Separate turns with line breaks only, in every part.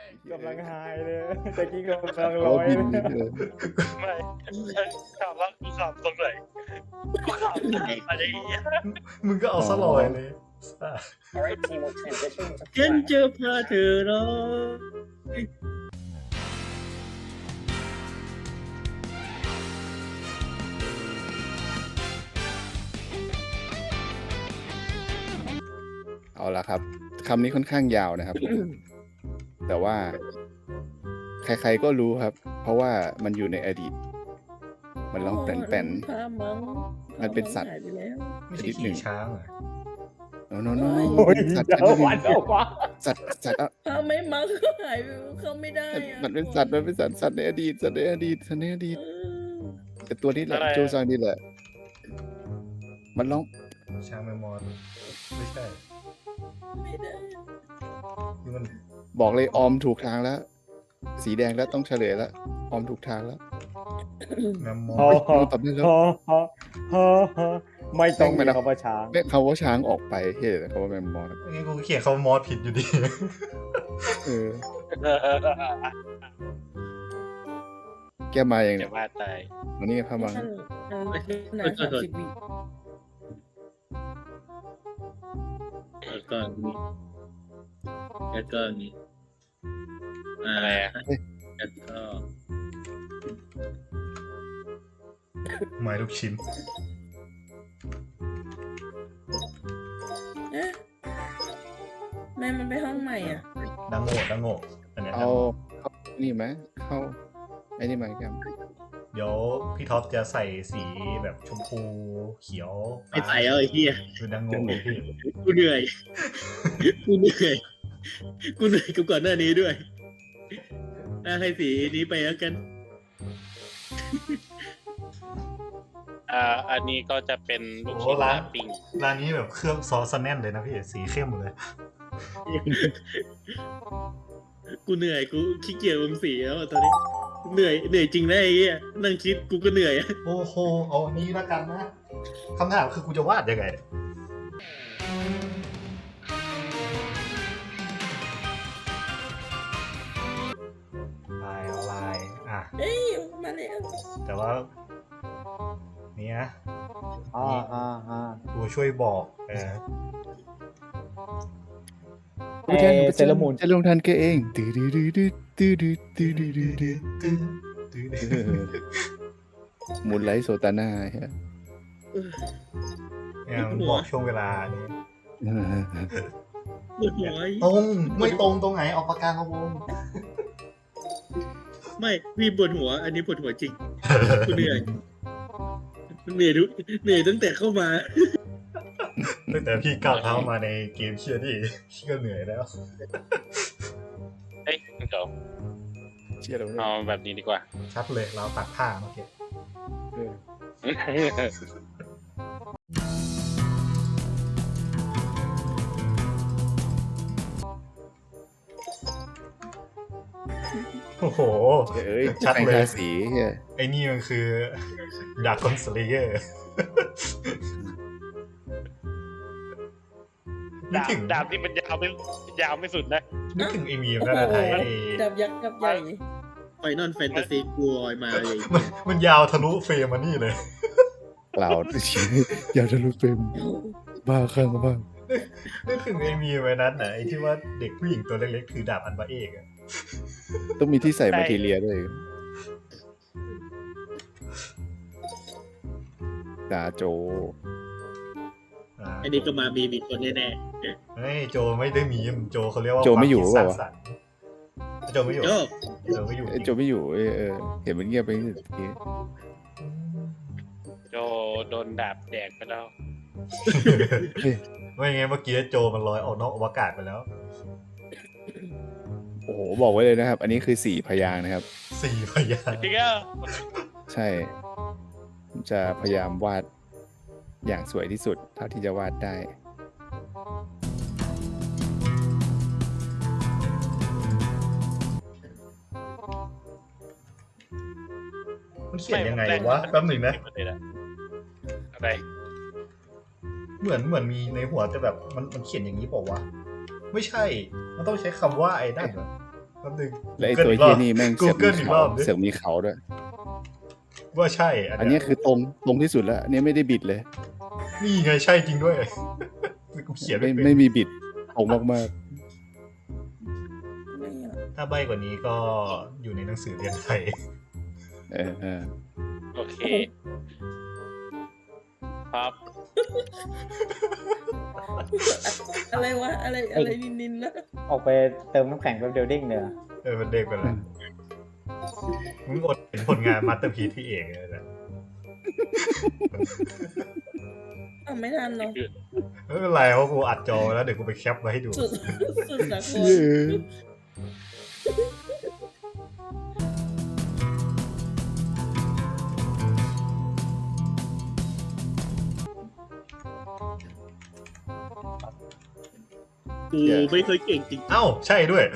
กำลังไฮเลยตะกี้กำลัง
เขา
ร้อย
บิน
เลย
นี่เลย
ไม่ถามว่ากูขับตรงไหนกูขับอะไรอย่างเงี้ย
มึงก็เอาซะลอยเลย
Alright, team, we'll transition to
ฉัน
flag.
จะพาเธอรอ
เอาละครับคำนี้ค่อนข้างยาวนะครับ แต่ว่า ใครๆก็รู้ครับ เพราะว่ามันอยู่ในอดีต มันร้องแป่น
พามัง
มันเป็นสัตว์
หายไปแล้ว
ไม่ใช่ขี่ช้างเหรอ
ๆโน้โน้
โอ้ย
สัตว์
เดี๋ยววันเดี๋ยววัน
สัตว์อ่ะ
พาไม่มังก็หายไปเขาไม่ได้อะ
มันเป็นสัตว์สัตว์ในอดีตสัตว์ในอดีตสัตว์ในอดีต
เออ
แต่ตัวนี้แหละโจซังนี่แหละ มันร้อง
ช้างแมมมอสไม่ใช่
ไม่ได้
ที่มัน
บอกเลยออมถูกทางแล้ว สีแดงแล้วต้องเฉลยแล้วออมถูกทางแล้ว
แมมมอ
ฮอ
ส
ฮอ
ตอบได้แล้ว
ฮอฮอฮอฮอไม่ต้องมีคำว่าช้าง
แม่คำว่าช้างออกไปเฮ้ยแต่คำว่าแมมมอส
งั้นกูเขียนคำว่ามอสผิดอยู่ดี
เออแก้มาอย่าง
จะ
เนี้ย
ว่าตาย
อันนี้พามัง
ท่านนาน30 วิ
แล้วก็มีแล้วก็มี
อะไรอะ
แล้วก็
ไม้ลูกชิ้น
เอ๊ะแม่มันไปห้องใหม่อ่ะ
ดังโง่อันเนี้ย
เอาเข้านี่ไหมเข้าไอ้นี่ไหมแกม
เดี๋ยวพี่ท็อปจะใส่สีแบบชมพูเขียว
ไม่ใส่เอาไอ้เหี้ย
คือดังโง่พี่
กูเหนื่อยกูเหนื่อยกูเหนื่อยกับก่อนหน้านี้ด้วยให้สีนี้ไปแล้วกัน
อันนี้ก็จะเป็นลูก
โอ้
ชิ้น
ร้าน
ปิ้ง
ร้านนี้แบบเครื่องซอสแน่นเลยนะพี่สีเข้มเลย
กูเหนื่อยกูขี้เกียจลงสีแล้วอะตอนนี้เหนื่อยจริงนะไอ้เหี้ยนั่งคิดกูก็เหนื่อยอะ
โอ้โหเอาอันนี้แล้วกันนะคำถามคือกูจะวาดยังไงลายอ่ะ
เอ้ยมาแล้ว
แต่ว่านี่นะ
อ่า
ตัวช่วยบอก
เซเลอร์มูน
จะลงทันแกเองตื้อดื้อดื้อดื้อตื้อดื้อตื้อดื้อดื้อดื้อ มูนไลท์โซตาน่าเฮ้ย
เนี่ยมันบอกช่วงเวลานี้
ปวดหัว
ตรงไม่ตรงไหนออกปากกามาวง
ไม่พี่ปวดหัว อันนี้ปวดหัวจริงกูเหนื่อยเหนื่อยตั้งแต่เข้ามา
ตั้งแต่พี่ก้าวเท้ามาในเกมเชียร์นี่พี่ก็เหนื่อยแล้ว
เอ้ยเดี๋ยว
เชื่อเราเลย
เอาแบบนี้ดีกว่า
ชัดเลยเราตัดผ้าเมื่อกี้
เออ
โอ้โห
เอ้ย
ชัด
แต่ง
เลย
ทาสีเฮ้ย
ไอ้นี่มันคือดาร์คอนสเลเยอร์นึกถึง
ดาบที่มันยาวไม่สุดนะ
นึกถึงไอ้มีมนั่นนะไทยไอ้
ดับยักษ์กับใหญ่
ไฟนอลแฟนตาซีกูลอยมาเลย
มันยาวทะลุเฟรมมานี่เลย
เปล่าอย่าทะลุเฟรมบ้าข้างบ้าง
นึกถึงไอ้มีมไว้นั้นนะไอ้ที่ว่าเด็กผู้หญิงตัวเล็กๆถือดาบอันบะเอกอะ
ต้องมีที่ใส่มาทีเรียด้วยดาโจ
อันนี้ก็มามีมีคนแน่
เฮ้ยโจไม่ได้มีมโจเขาเรียกว่า
โจไม่อยู่
ความคิด
เป
สร้า
ล่าง วะ
สรรค์โจไม่อยู่
ๆโจ้
โจไม่อยู่
เอ้ยโจไม่อยู่เห็นมันเงียบไปนิดที
โจโดนดาบแดกไปแล้ว
ไม่ไงเมื่อกี้โจมันลอยออกนอกอวกาศไปแล้ว
โอ้โหบอกไว้เลยนะครับ อันนี้คือ4 พยางค์นะครับ
4 พยางค์
จริงอ่ะ
ใช่ผมจะพยายามวาดอย่างสวยที่สุด เท่าที่จะวาดได้
มันเขียนยังไงวะแป๊บหนึ่งนะ
อะไร
เหมือนมีในหัวแต่แบบมันเขียนอย่างนี้เปล่าวะไม่ใช่ มันต้องใช้คำว่าไอ้นั่นเหรอแป๊บนึง
และไอตัวเฮียนี่แม่ง
กู
เสือก
เกิ
มี
ลอีกร
เขา
อบดิ
เสือกมีเขาด้วย
ว่าใช่
อันนี้คือตรงที่สุดแล้วอันนี้ไม่ได้บิดเลย
นี่ไงใช่จริงด้วยกูเขียน
ไม่
ไม่เป็น
ไม่มีบิดตรงมาก
ไม่อะ
ถ้าใบกว่านี้ก็อยู่ในหนังสือเรียนไทย
ๆเออ
โอเค ครับ
อะไรวะอะไรนินๆนะ
ออกไปเติมน้ำแข็งแป๊บเดียวเด้งเลยอะ
มันเด็กไปแล้วมึงอดเห็นผลงานมาสเตอร์พีซพี่เอกเลยนะ
ไม่ทันเนาะ
ไม่เป็นไรเพราะกูอัดจอไว้แล้วเดี๋ยวกูไปแคปมาให้ดู
สุดสาก
เ
ล
กูไม่เคยเก่งจริง
เอ้าใช่ด้วย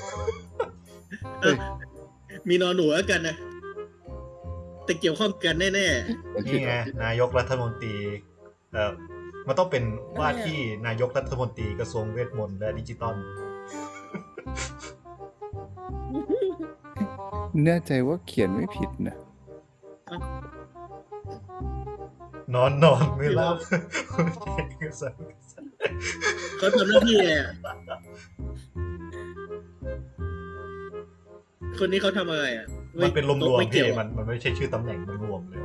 มีนอนหนูแล้วกันนะแต่เกี่ยวข้องกันแน่
นี่ไงนายกรัฐมนตรีมันต้องเป็นว่าที่นายกรัฐมนตรีกระทรวงเวทมนต์และดิจิตอล
แน่ใจว่าเขียนไม่ผิดนะ
นอนไม่หลับ
ๆเขาทำหน้าที่ไงอะคนนี้เขาทำอะไรอ่ะ
มันเป็นรวม
ไม่
ๆ
เกี่
พี่
ยว
มันไม่ใช่ชื่อตำแหน่งมันรวมเลย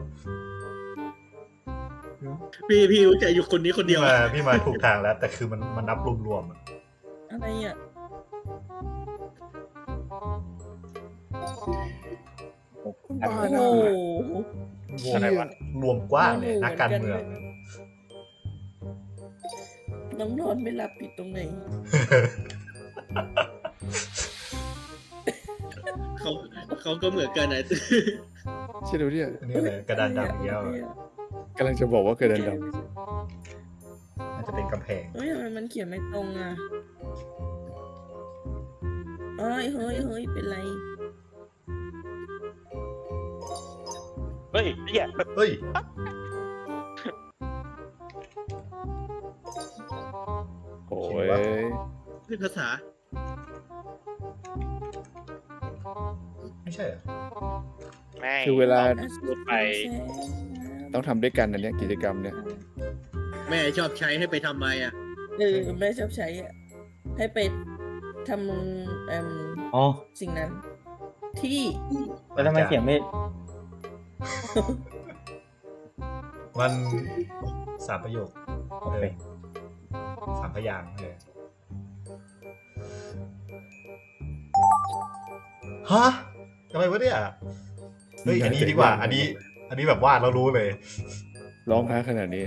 พี่รู้จักอยู่คนนี้คนเดียว
พี่มาถูกทางแล้ว แต่คือมันนับรวมๆอะ
อะไรอ่ะ
บ้า
โอ้
นะ
โห
รวมอะไรวะรวมกว้างเลยนักการเมือง
น้องนอนไม่หลับผิดตรงไหน
เขาก็เหมือนกันนะ
ใช่ดูเนี่ย
อันนี้เลยกระดานดำอีกแล้วอะ
กำลังจะบอกว่ากระดานด
น่าจะเป็นกำแพง
เฮ้ยทำไมมันเขียนไม่ตรงอ่ะเฮ้ยเป็นไร
เฮ้ยเหี้ย
เฮ้ย
ำโอ้ย
เป็นภาษา
ไม่ใช่เหรอ
ไม่
คือเวลา
พูดไป
ต้องทำด้วยกันอันเนี้ยกิจกรรมเนี่ย
แม่ชอบใช้ให้ไปทำไมอ่ะ
แม่ชอบใช้อ่ะ ให้ไปทำ
อ๋อ
สิ่งนั้น ที่
แล้วทำไมเขียนไม่
มัน3 ประโยค
โอเค
3 พยางค์เลยฮะอะไรวะเนี่ยเฮ้ยอันนี้ดีกว่า อันนี้แบบวาดแล้วรู้เลย
ร้องค้าขนาดนี้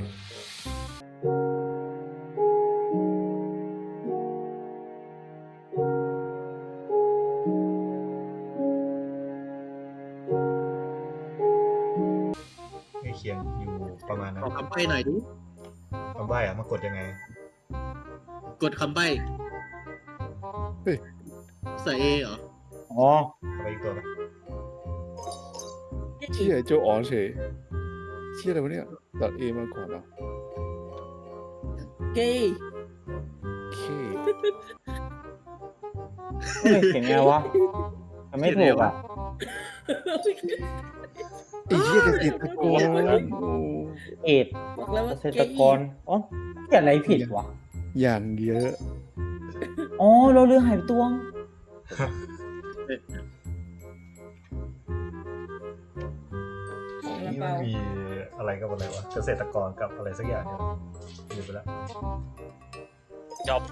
ให้เขียนอยู่ประมาณนั้น
ขอคำใบ้หน่อยดู
คำใบ้อะมากดยังไง
กดคำใบ้
เฮ้ย
ใส่เอเหรอ
อ๋อ
เอาไปอีกตัวไป
เชี่ยโจอ๋อเฉยเชี่ยอะไรวะเนี่ยตัดเอมาก่อนเหรอ
เกย์
โอเค
เฮ้ยเขียนไงวะมันไม่ถูกอ่ะ
ไอ้เชี่ยเกษตรกรโอ้
เอ็ด
บอกแล้ว
เก
ว่า
ษตรกรอ๋อเขียนอะไรผิดวะ
อย่างเยอะ
อ๋อเราเรือหายไปตวง
กระ
นี่
เป๋า
มันมีอะไรกับอะไรวะ เกษตรกรกับอะไรสักอย่างเนี่ยลืมไปแล้ว
จบ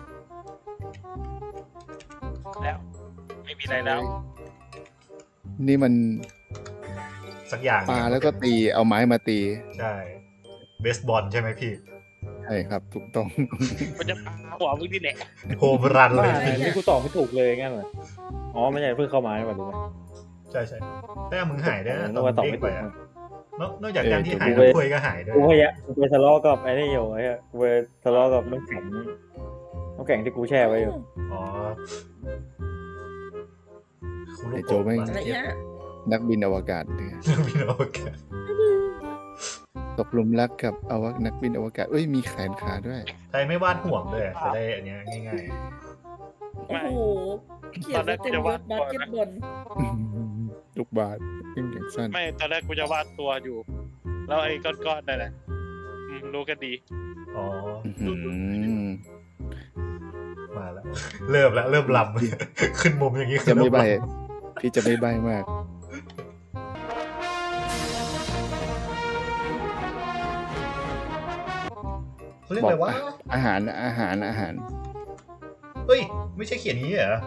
แล้ว ไม่มีอะไรแล้ว
นี่มัน
สักอย่าง
ปลาแล้วก็ตีเอาไม้มาตี
ใช่เบสบอลใช่ไหมพี่
ใช่ครับถูกต้อง
มันจะปาหัวมึงที่แหละ
โฮมรันเลย
นี่กูตอบไม่ถูกเลยงั้นเหรออ๋อไม่ใช่เพิ่งเข้ามาใช่ป่ะดูไหม
ใช่แต้มมึงหายได้นะ
นึกว่าตอบไม่ถูก
อะนอกจากการที่หาย
กูไป
น้ำคุยก็หายด้วย
กูพยายามกูไปทะเลาะกับไอ้นี่อยู่ไอ้เหี้ยกูไปทะเลาะกับน้ำแข็งที่กูแช่ไว้อยู่
อ๋อคุณลู
ไอ้
ก
โจแม่ง
อะไรอ่ะ
นักบินอวกาศเนี่ย
บินอวกาศ
ตกหลุมรักกับนักบินอวกาศเอ้ยมีแขนขาด้วย
ใครไม่วาดห่วงเลยจะได้อันเนี้ยง่าย
โอ้โหเขียนว่าเต็มยศบาสเกตบอล
ลูกบาศก์อย่างสั้น
ไม่ตอนแรกกูจะวาดตัวอยู่ แล้วไอ้ก้อนๆนั่นแหละรู้กันดี
อ๋อ
อื้อหือ
มาแล้ว เริ่มลำ ขึ้นมุมอย่างนี้
จะไม่ใบ
เริ่ล
พี่จะไม่ใบมาก
ำเขาเรียก
บอ
อะไร
ก
วะ
อาหาร
เฮ้ย ไม่ใช่เขียนอย่างนี้เหรอ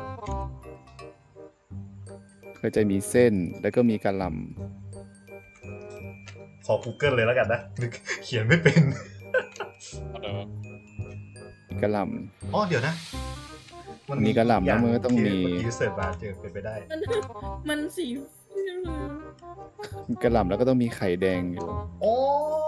ก็จะมีเส้นแล้วก็มีกะหล่
ขอ Google เลยแล้วกันนะนึกเขียนไม่เป็น
ำกะหล่
อ๋อเดี๋ยวนะ
มีกะหล่ำแล้วมันก็ต้องมี
เมื่อกี้เสิร์ชมาเจอเป็นไปได้
มันสี
ำกะหล่ำแล้วก็ต้องมีไข่แดงอยู่
โอ้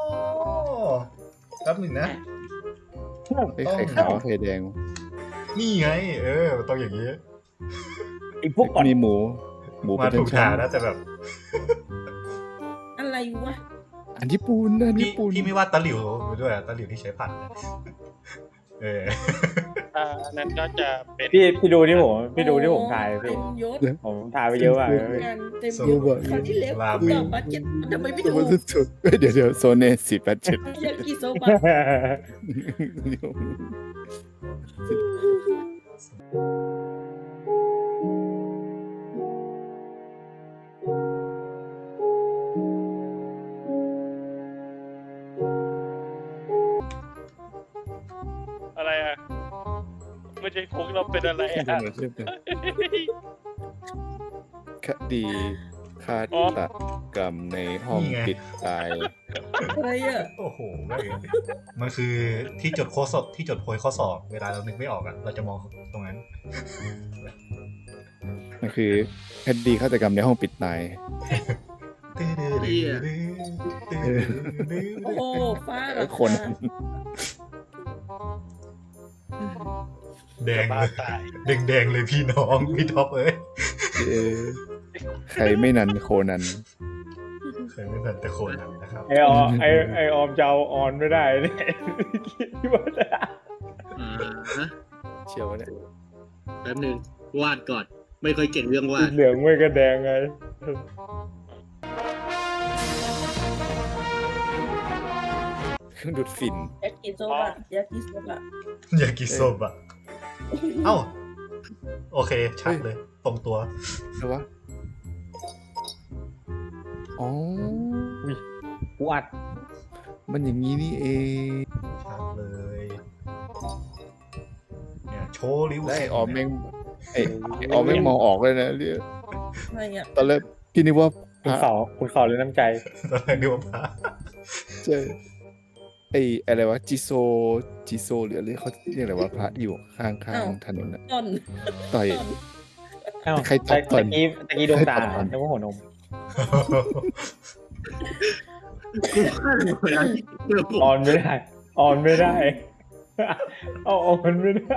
แป๊บหนึ่งนะ
ไอ้ไข่ขาวไข่แดง
นี่ไง มันต้องอย่างนี้
ไอ้พวกก่อน
มีหมูเป็
มาน ถูก
ชั้
ทาน งนะแต่แบบ
อะไรวะ
อันญี่ปุ่นอัน
พี่
ญี่ปุ่น
พี่ไม่ว่าตะหลิวไปด้วยอะตะหลิวที่ใช้ผัดอะเออ
อันนั้นก็จะเป็น
พี่ดูที่ผมถ่าย
เต็
พี่
มยศ
ผมถ่ายไปเยอะมากเลยพี่
งานเต็มยศคราวที่แล้วตอบบาสเกตทำไมไม่ถูก
สุดๆเดี๋ยวโซเน487
ยากิโซบะ
อะไรอ่ะไม่ใช่คุกเราเป็นอะไรอ่ะ
คดีฆาตกรรมในห้อง
นี่ไง
ปิดตาย
อะไรอ่ะ
โอ้โหแม่งมันคือที่จดโค้ดสอบที่จดโพยข้อสอบ เวลาเรานึกไม่ออกอะเราจะมองตรงนั้น
มันคือคดีฆาตกรรมในห้องปิดตาย
โอ้โหฟ้าเหรอ
คน
แดง
บ้า
เลย
ตาย
แดงเลยพี่น้องพี่ท็อปเอ้ย
เออใครไม่นันโคนัน
เคยไม่ทันแต่โคนนั้นนะครับ
ไอออมจะเอาออนไม่ได้เนี่ยคิดว่าจะ
ฮะ
เชียวเนี่ย
แป๊บหนึงวาดก่อน ไม่ค่อยเก่งเรื่องวาด
เหลืองไม่กระแดงไง
เครื่องดูดฝิ่น
ยากิโซบะยากิโซบะ
อยากกินส้มอะเอ้า โอเค ชัดเลย ตรงตัว
แล้ววะอ๋อ
กูอัด
มันอย่างนี้นี่เอง
ชัดเลย เนี่ยโชว์ริ้ว
แล้วไอ้
เส้น
ออม
เนี่
แม่
ย
งไอ้ออมแม่งมองออกเลยนะเรีย
อะไรอ่ะ
ตอนแรกพี่นึกว่าพ
คุณ
ระ
ขอเลยน้ำใจ
ตอนแรกนึกว่าพระ
ใช่ไอ้อะไรวะจิโซหรืออะไรเขาเรียกอะไรวะพระอยู่ข้างถนนน่ะ
ต้น
ต่อย
ต้น
เอ้า
ใครตัดก่อน
ตะกี้ดวงตา
ใครตัดก่อน
นึกว่าหัวนม
กูวาดเวลาที่เจอผม
ออนไม่ได้ ออนไม่ได้ เอาออนไม่ได้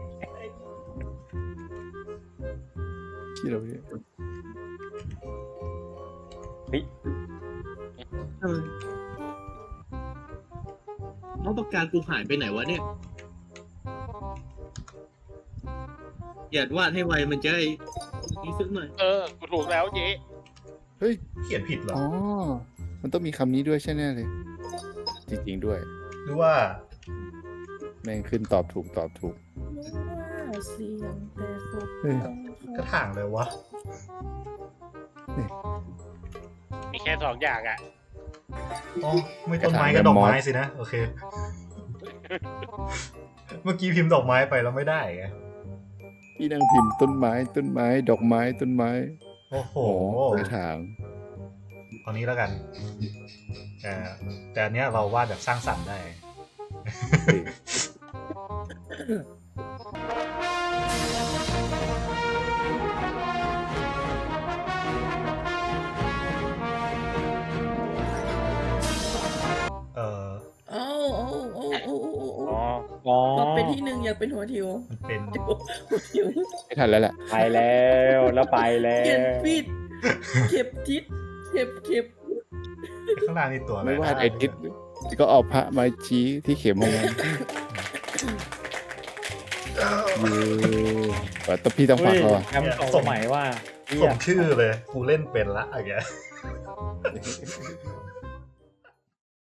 ที่เราเนี่ย
น้องประการกูหายไปไหนวะเนี่ย อย่าวาดให้ไวมันจะได้นี่สักหน่อย
กูถูกแล้วเจ๊
เฮ้ย
เขียนผิดเหรอ
อ๋อ มันต้องมีคำนี้ด้วยใช่แน่เลย จริงๆด้วย
หรือว่า
แม่งขึ้นตอบถูก
ว่าเสียงแต่ศพ
เฮ้ย
ต้อง
กระถางเลยวะ
มีแค่2 อย่างอ่ะ
อ๋อ ไม่ต้นไม้ก็ดอกไม้สินะ โอเค เมื่อกี้พิมพ์ดอกไม้ไปแล้วไม่ได้ไง
พี่นั่งพิมพ์ต้นไม้ ดอกไม้ ต้นไม้
โอ้โห
โอ้กระถาง
เอานี้แล้วกัน แต่อันเนี้ยเราวาดแบบสร้างสรรค์ได้
เฮ้ย
เออ
โอ้โอ้โอ้โอ้โอ้โอ้
อ๋อ อ๋อ
ก็เป็นที่หนึ่งอยากเป็นหัวทิว
มันเป็น
หัวทิว
ไม่ทันแล้วแหละ
ไปแล้วแล้วไปแล้
เขียน
ว
ผิดเข็บทิศเข็บ
ข้างล่างนี่ตัวอะไร
ไม่วาดไอทิศก็เอาพระมาชี้ที่เข็มของมันแต่พี่ต้องฝากเขาอะ
แอมสองสมัยว่าเหี้
ส
ย
มชื่อเลย กูเล่นเป็นละอะไรเงี้ย